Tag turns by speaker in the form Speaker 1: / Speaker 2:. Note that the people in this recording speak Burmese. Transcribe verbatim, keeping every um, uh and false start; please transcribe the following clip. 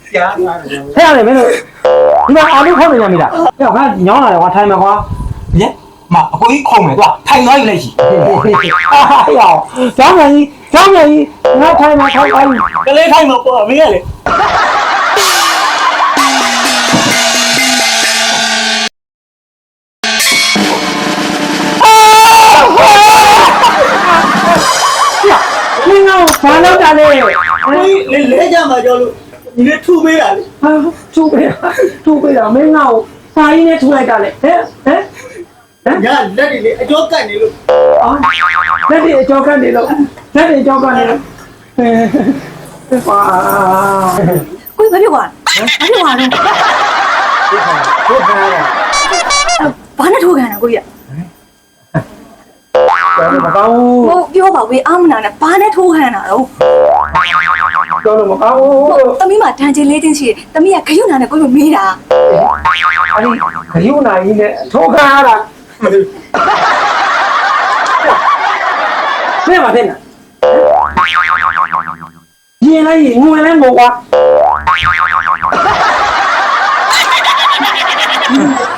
Speaker 1: ကြားထားတယ်
Speaker 2: ဟဲ့ရတယ်မင်းတို့ဒီမှာအာလူခေါက်နေရမိလားဟဲ့ငါညောင်းလာတယ်ကွာထိုင်မှာကွာ
Speaker 1: ညမအကိုကြီးခုံမယ်ကွာထိုင်သွားယူလိုက်ရှိ
Speaker 2: အာဟဲ့ရောကျောင်းမြန်ကြီးကျောင်းမြန်ကြီးငါထိုင်မှာထိုင်ပါဘူး
Speaker 1: ကလေးထိုင်မှာပေါ့မင်းကလေ
Speaker 2: မင်းကဘာလုပ်တာလဲ
Speaker 1: လေလဲကြမှာကြောလို့ဒီနေ့ထူပေးတာလေ
Speaker 2: ဟာထူပေးတာထူပေးတာမင်းကစာရင်းနဲ့ထူလိုက်တာလေဟဲ့ဟဲ့ဟမ်
Speaker 1: ညလက်တွေလေအကျော်ကတ်နေလို့
Speaker 2: အော်လက်တွေအကြောကနေလို့လက်တွေအကြောကနေလို့ဟဲ့ပါ
Speaker 3: ကိုဘာဖြစ်သွားလဲဘာဖြစ်သွားလဲ
Speaker 1: ဟုတ်ပါရဲ့
Speaker 3: ဘာနဲ့ထိုးခံတာကိုကြီး
Speaker 2: ကျောင်းမကောင်း
Speaker 3: ဟိုပြောပါဝေးအာမနာနဲ့ဘာနဲ့ထိုးခံတာတော့
Speaker 2: ကျောင်းမကောင်း
Speaker 3: သမီးမှာတန်ချင်လေးချင်းရှိတယ်သမီးကခရုနာနဲ့ကိုလိုမေးတာ
Speaker 2: အဲ့ဒီခရုနာကြီးနဲ့ထိုးခါရတာဆဲပါတဲ့နာရင်လိုက်ငွေလဲမို့ကွာ